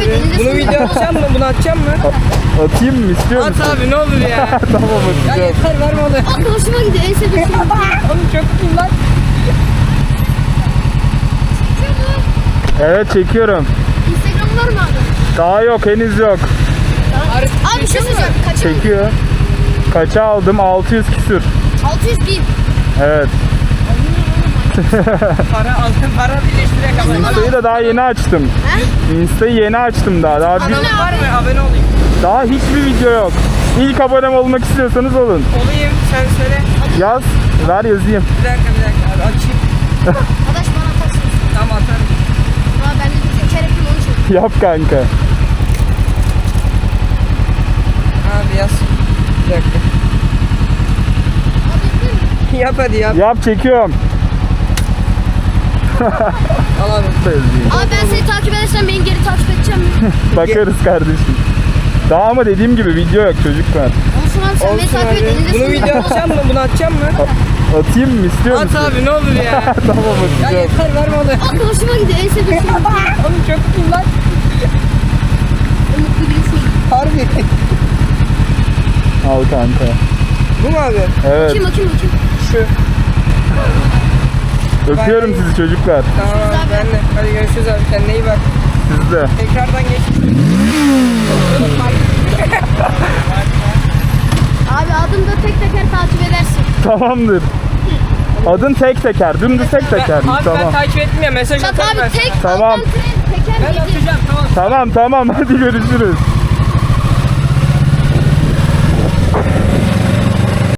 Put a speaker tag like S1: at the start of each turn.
S1: abi. Bunu video atacağım mı? Bunu atacağım mı?
S2: Atayım mı, istiyor musun?
S1: At abi ne olur ya.
S2: Tamam,
S1: Ya
S2: atacağım.
S1: yeter verme onu.
S3: Akıl hoşuma gidiyor. En sevdiğim şey.
S1: Oğlum çok iyi lan.
S2: Evet, çekiyorum.
S3: Instagram var mı abi?
S2: Daha yok, henüz yok.
S3: Abi bir şey söyleyeceğim. Kaça?
S2: Çekiyor. Kaça aldım? 600 küsür.
S3: 601.
S2: Evet.
S1: Para birleştirerek abone ol.
S2: Insta'yı da daha yeni açtım. Insta'yı yeni açtım daha.
S1: Kanalın var mı? Abone olayım.
S2: Daha hiçbir video yok. İlk abonem olmak istiyorsanız olun.
S1: Olayım sen söyle.
S2: Yaz, ver yazayım.
S1: Bir dakika abi açayım.
S3: Arkadaş bana atarsın.
S1: Tamam atarım.
S3: Aa ben de bir teker yapayım onu çek.
S2: Yap kanka.
S1: Abi yaz. Bir dakika.
S3: Abi yapayım mı?
S1: Yap hadi yap.
S2: Yap, çekiyorum.
S1: Al abi.
S2: Yazayım.
S3: Abi ben seni takip edersem beni geri takip edeceğim mi?
S2: Bakarız kardeşim. Daha ama dediğim gibi video yok çocuklar.
S3: Olsun abi sen beni
S1: Olsun
S3: takip et.
S1: abi.
S3: Elinde
S1: Bunu
S3: sonunda.
S1: video atacağım mı? Bunu atacağım mı?
S2: Atayım mı, istiyor
S1: At
S2: musun?
S1: abi ne olur ya.
S2: Tamam,
S1: Ya
S2: atacağım.
S1: yeter verme onu.
S3: Akıl hoşuma gidiyor. En sevdiğim şey.
S1: Oğlum çok iyi lan.
S3: Mutlu birisin.
S1: Harbi.
S2: Al kanka.
S1: Bu mu abi?
S2: Evet.
S3: Bakayım.
S1: Şu.
S2: Öpüyorum sizi çocuklar.
S1: Tamam abi ben de. Hadi görüşürüz abi. Kendine iyi bak.
S2: Siz de.
S1: Tekrardan geç.
S3: Abi adımda tek teker takip edersin.
S2: Tamamdır. Adın tek teker. Dümdüz tek teker.
S1: Abi ben
S2: Tamam.
S1: takip ettim ya mesaj
S3: Çat
S1: atarım ben.
S3: abi tek
S2: Tamam.
S3: alttan teker
S1: Ben
S3: yedi.
S1: atacağım tamam.
S2: Tamam, hadi görüşürüz.